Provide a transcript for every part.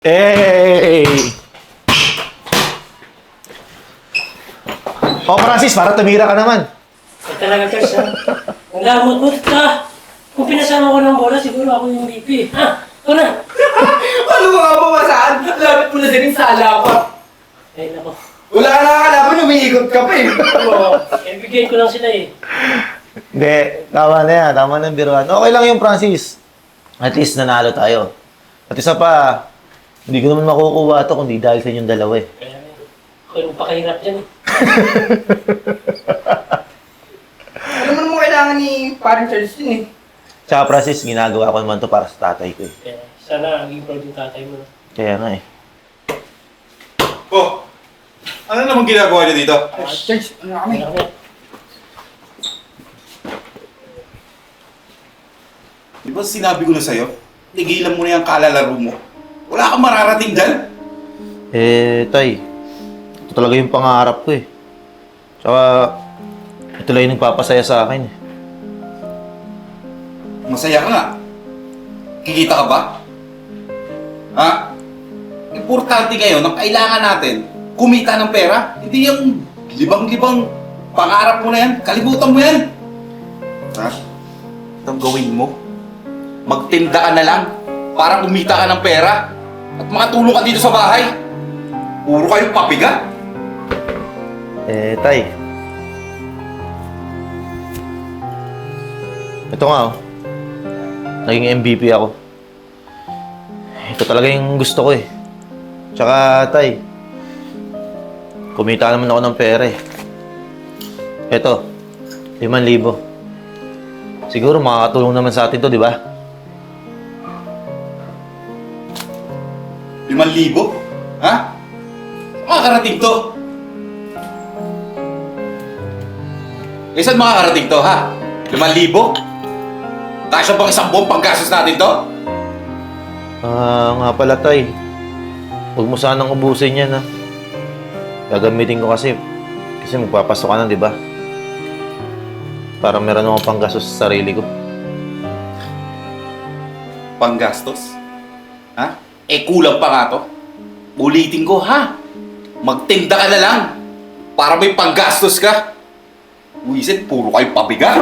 Hey! Oh, Francis, para tumira ka naman. Ay talaga, Charles, ha? Ang lamot mo, ha? Kung pinasama ko ng bola, siguro ako yung MVP. Ha? Ito na! Paano mo nga pumasaan? Lapit mo na din yung sala ko. Ay, nako. Wala na kalaban, umiikot ka pa eh. Oo, bigay ko lang sila eh. Hindi, tama na yan. Tama na yung biruan. Okay lang yung Francis. At least nanalo tayo. At isa pa, hindi ko naman makukuha ito kundi dahil sa inyong dalawa eh. Kaya ako yung pakahirap dyan eh. Ano mo kailangan ni parang Charles din eh. Tsaka Francis, ginagawa ko naman to para sa tatay ko eh. Kaya sana maging proud yung tatay mo. Kaya nga eh. Oh, ano namang ginagawa niyo dito? Charles, ano kami? Kaya kami. Di ba sinabi ko na sa'yo? Tigilan mo na yung kalalaro mo. Wala kang mararating dyan. Tay, ito talaga yung pangarap ko eh. Tsaka, ito lang yung nagpapasaya sa akin eh. Masaya ka nga. Kikita ka ba? Ha? Importante ngayon, ang kailangan natin, kumita ng pera. Hindi yung libang-libang pangarap mo na yan. Kalimutan mo yan. Ha? Itong gawin mo. Magtinda ka na lang para kumita ka ng pera at makatulong ka dito sa bahay. Puro kayong papiga. Tay. Ito nga oh. Naging MVP ako. Ito talaga yung gusto ko eh. Tsaka, Tay, kumita naman ako ng pera eh. Ito, 5,000. Siguro makakatulong naman sa atin to, di ba? 5,000? Ha? Makakarating to. Eh, saan makakarating to, ha? 5,000? Kasya bang isang buong panggastos natin to? Nga pala, Tay. Huwag mo sanang ubusin yan, ha? Gagamitin ko kasi magpapasok ka na, di ba? Para meron akong panggastos sa sarili ko. Panggastos? Ha? Eh, kulang pa nga to. Ulitin ko, ha? Magtinda ka na lang para may panggastos ka. Wisit, puro kayo pabiga.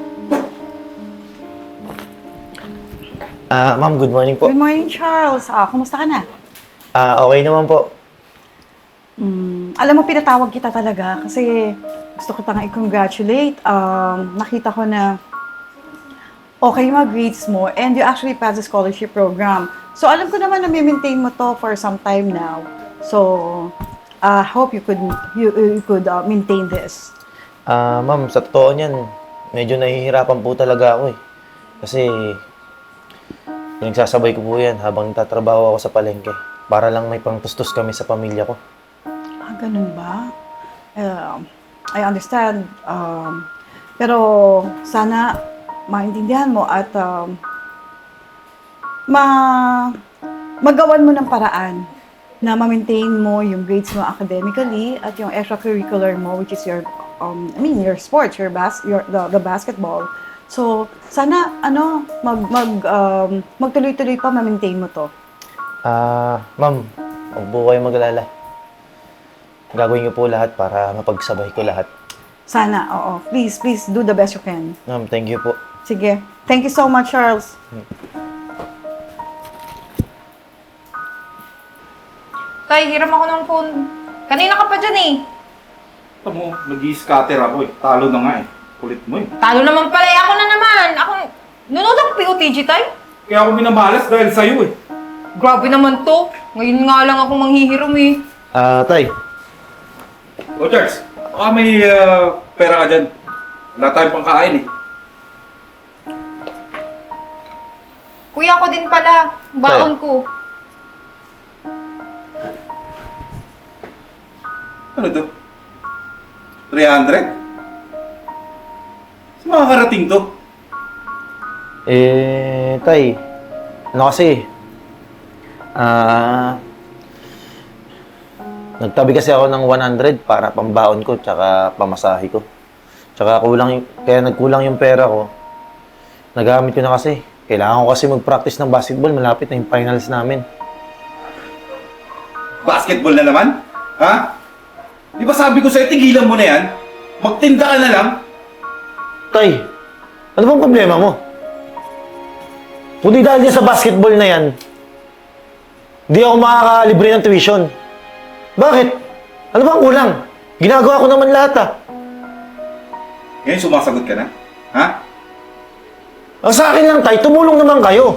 Ma'am, good morning po. Good morning, Charles. Kumusta ka na? Okay naman po. Alam mo, pinatawag kita talaga kasi gusto ko tanga i-congratulate. Nakita ko na okay yung mga grades mo and you actually passed the scholarship program. So, alam ko naman na may-maintain mo to for some time now. So, hope you could maintain this. Ma'am, sa totoo niyan, medyo nahihirapan po talaga ako eh. Kasi, nagsasabay ko po yan habang nagtatrabaho ako sa palengke. Para lang may pangtustos kami sa pamilya ko. Ganun ba? I understand. Pero sana maintindihan mo at magawan mo ng paraan na ma-maintain mo yung grades mo academically at yung extracurricular mo, which is your your sports, the basketball. So sana magtuloy-tuloy pa ma-maintain mo to. Ma'am, huwag po kayo mag-alala. Gagawin niyo po lahat para mapagsabay ko lahat. Sana, oo. Please do the best you can. Ma'am, thank you po. Sige. Thank you so much, Charles. Tay, hiram ako ng phone. Kanina ka pa dyan eh. Ito mo, nag-i-scatter ako eh. Talo na nga eh. Kulit mo eh. Talo naman pala eh. Ako na naman. Nunod ako POTG, tay. Kaya ako minamalas dahil sa'yo eh. Grabe naman to. Ngayon nga lang ako manghihiram eh. Tay, O Charles, baka may pera ka dyan. Wala tayong pangkain eh. Kuya ko din pala. Baon ko. Ano to? 300? Saan makakarating to? Tay, ano kasi, nagtabi kasi ako ng 100 para pambaon ko tsaka pamasahe ko. Tsaka kaya nagkulang yung pera ko. Nagamit ko na kasi. Kailangan ko kasi mag-practice ng basketball. Malapit na yung finals namin. Basketball na naman? Ha? Di ba sabi ko sa'yo, tigilan mo na yan? Magtinda ka na lang? Tay, ano bang problema mo? Kung di dahil sa basketball na yan, di ako makakalibre ng tuition. Bakit? Ano bang kulang? Ginagawa ko naman lahat ah. Ngayon sumasagot ka na? Ha? Ang sa akin lang, Tay, tumulong naman kayo.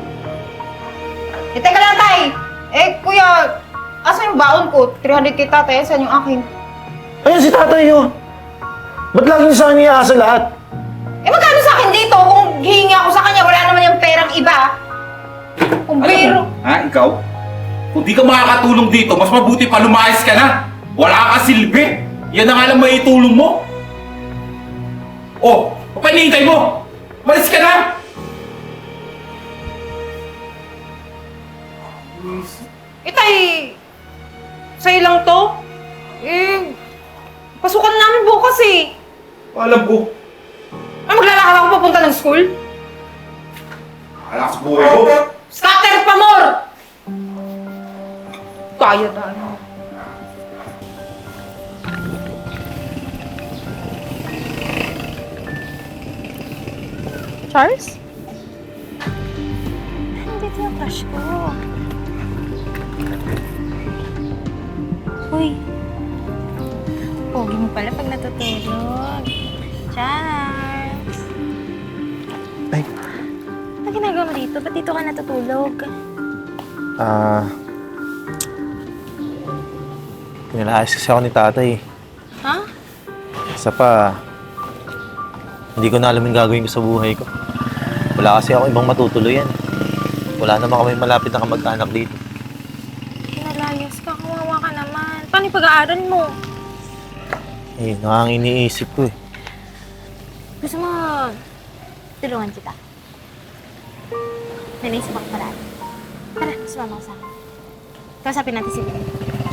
Eh, teka lang, tay! Eh, kuya, asa yung baon ko? 300 kita, tay. Saan yung akin? Ayan si tatay yun. Ba't laging sa akin iaasa lahat? Eh, magkano sa akin dito? Kung hihingi ako sa kanya, wala naman yung perang iba. Kung Alam biro. mo, ha? Ikaw? Kung di ka makakatulong dito, mas mabuti pa lumayas ka na. Wala ka silbi. Yan na nga lang maitulong mo. Oh, papanihintay mo. Malis ka na. Eh, tay, sa'yo lang to? Eh, pasukan namin bukas eh. Alam ko. Ay, maglalakad ako papunta ng school? Alas buhay ko. Scatter pa more! Kaya na. Charles? Nandito yung crush ko. Uy. Pogi mo pala pag natutulog. Charles! Ay. Ano ginagawa mo dito? Ba't dito ka natutulog? Pinalayas kasi ako ni tatay. Ha? Isa pa, hindi ko na alam yung gagawin ko sa buhay ko. Wala kasi ako ibang matutuluyan. Wala naman kami malapit na kamag-anak dito. Pinalayas ka. Kawawa ka naman. Paano yung pag-aaral mo? Eh, ang iniisip ko eh. Gusto mo tulungan kita? May naisip ako paraan. Tara, sumama ka sa akin. Kausapin natin si Billy.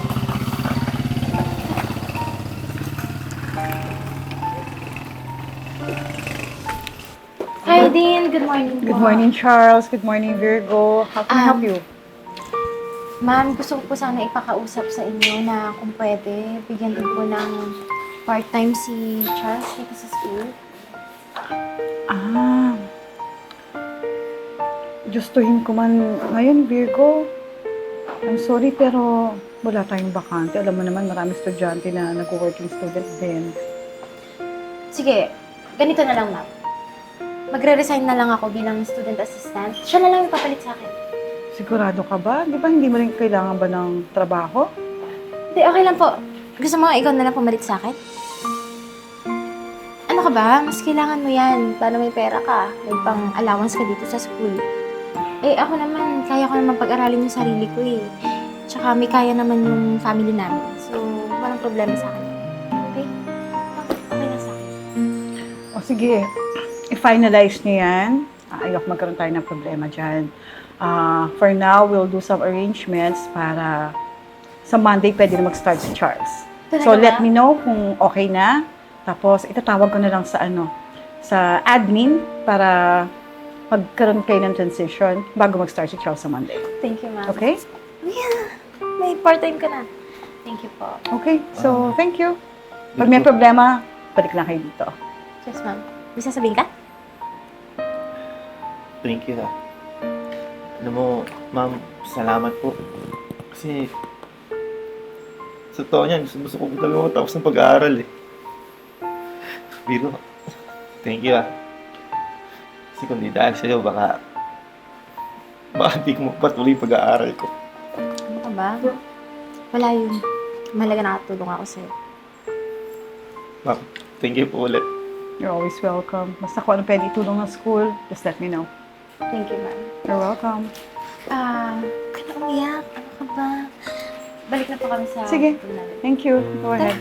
Hi, Dean. Good morning po. Good morning, Charles. Good morning, Virgo. How can I help you? Ma'am, gusto ko po sana ipakausap sa inyo na kung pwede, bigyan din po ng part-time si Charles dito sa school. Ah. Gustuhin ko man ngayon, Virgo. I'm sorry, pero wala tayong bakante. Alam mo naman, maraming estudyante na nag-working student din. Sige, ganito na lang, ma'am. Magre-resign na lang ako bilang student assistant. Siya na lang yung papalit sa akin. Sigurado ka ba? Di ba hindi mo rin kailangan ba ng trabaho? Hindi, okay lang po. Gusto mo ikaw na lang pumalit sa akin? Ano ka ba? Mas kailangan mo yan. Paano may pera ka? May pang-allowance ka dito sa school. Eh, ako naman, kaya ko naman pag-aralin yung sarili ko eh. Tsaka may kaya naman yung family namin. So, walang problema sa akin. Okay? Okay na sa akin. O sige, i-finalize niyo yan. Ayok magkaroon tayo ng problema dyan. For now, we'll do some arrangements para sa Monday pwede na mag-start si Charles. Talaga So, let ba? me know kung okay na. Tapos, itatawag ko na lang sa admin para magkaroon kayo ng transition bago mag-start si Charles sa Monday. Thank you, ma'am. Okay? Yeah, may part-time ka na. Thank you po. Okay. So, thank you. Pag may problema, balik lang kayo dito. Yes, ma'am. May sasabihin ka? Thank you ha. Alam mo, ma'am, salamat po. Kasi, sa totoo niyan, gusto ko talaga matapos ng pag-aaral eh. Biro, thank you ha. Kasi kung di dahil sa'yo, baka di ko mapatuloy yung pag-aaral ko. Ano ka ba? Wala yun. Mahalaga nakatulong ako sa'yo. Ma'am, thank you po ulit. You're always welcome. Basta kung ano pwede itulong ng school, just let me know. Thank you, ma'am. You're welcome. Huwag ka na umiyak. Ano ka ba? Balik na po kami sa Sige. hotel namin. Thank you. Go ahead.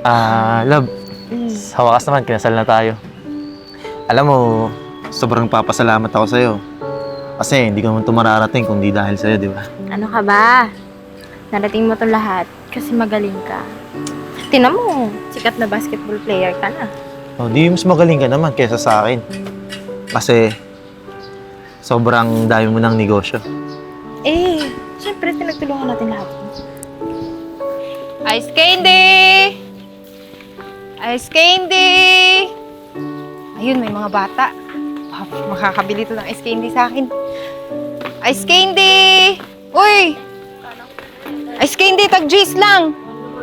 Love, sa wakas naman, kinasal na tayo. Alam mo, sobrang papasalamat ako sa'yo. Kasi hindi ko naman ito mararating kung di dahil sa'yo, di ba? Ano ka ba? Narating mo to lahat kasi magaling ka. Tingnan mo, sikat na basketball player ka na. Oh, di mas magaling ka naman kaysa sa akin. Kasi, sobrang dami mo ng negosyo. Eh, syempre pinagtulungan natin lahat. Ice candy! Ice candy! Ayun, may mga bata. Makakabili to ng ice candy sa akin. Ice candy! Uy! Ice candy, tag-G's lang.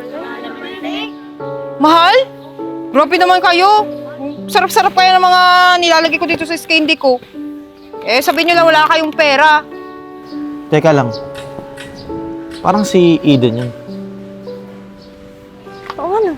Mahal? Grabe naman kayo. Sarap-sarap kayo ng mga nilalagay ko dito sa ice candy ko. Eh, sabihin nyo lang wala kayong pera. Teka lang. Parang si Eden yun. Oo, ano?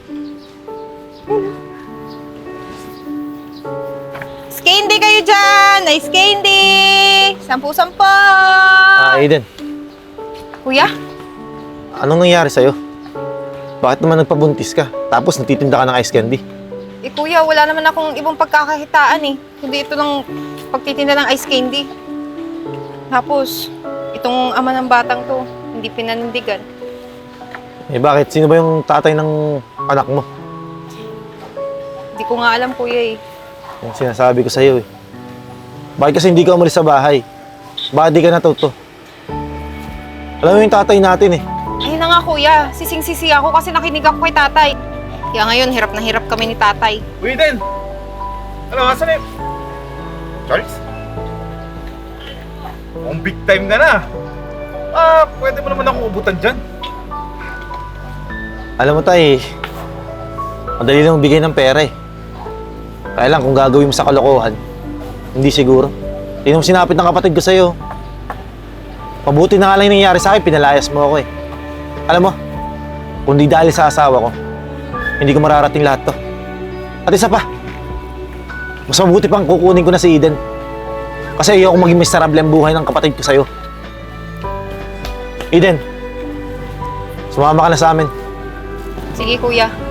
Ice candy kayo dyan! Ice candy! 10-10! Eden, Kuya? anong nangyari sa'yo? Bakit naman nagpabuntis ka? Tapos nagtitinda ka ng ice candy? Eh kuya, wala naman akong ibang pagkakakitaan eh. Kundi ito lang pagtitinda ng ice candy. Tapos, itong ama ng batang to, hindi pinanindigan. Eh bakit? Sino ba yung tatay ng anak mo? Hindi ko nga alam kuya eh. Yung sinasabi ko sa'yo eh. Bakit kasi hindi ka umalis sa bahay? Bakit di ka natuto? Alam mo yung tatay natin eh. Ayun na nga kuya, sising-sisi ako kasi nakinig ako kay tatay. Kaya ngayon, hirap na hirap kami ni tatay. Uy, Den! Ano, asan na yun? Charles? Ang big time ka na. Pwede mo naman ako ubutan dyan. Alam mo tay, madali lang bigay ng pera eh. Kaya lang kung gagawin mo sa kalokohan, hindi siguro. Yun ang sinapit ng kapatid ko sa'yo. Mabuti na nga lang yung nangyari sa akin, pinalayas mo ako eh. Alam mo, kung di dahil sa asawa ko, hindi ko mararating lahat to. At isa pa, mas mabuti pang kukunin ko na si Eden. Kasi ayoko maging miserable ang buhay ng kapatid ko sa'yo. Eden, sumama ka na sa amin. Sige kuya,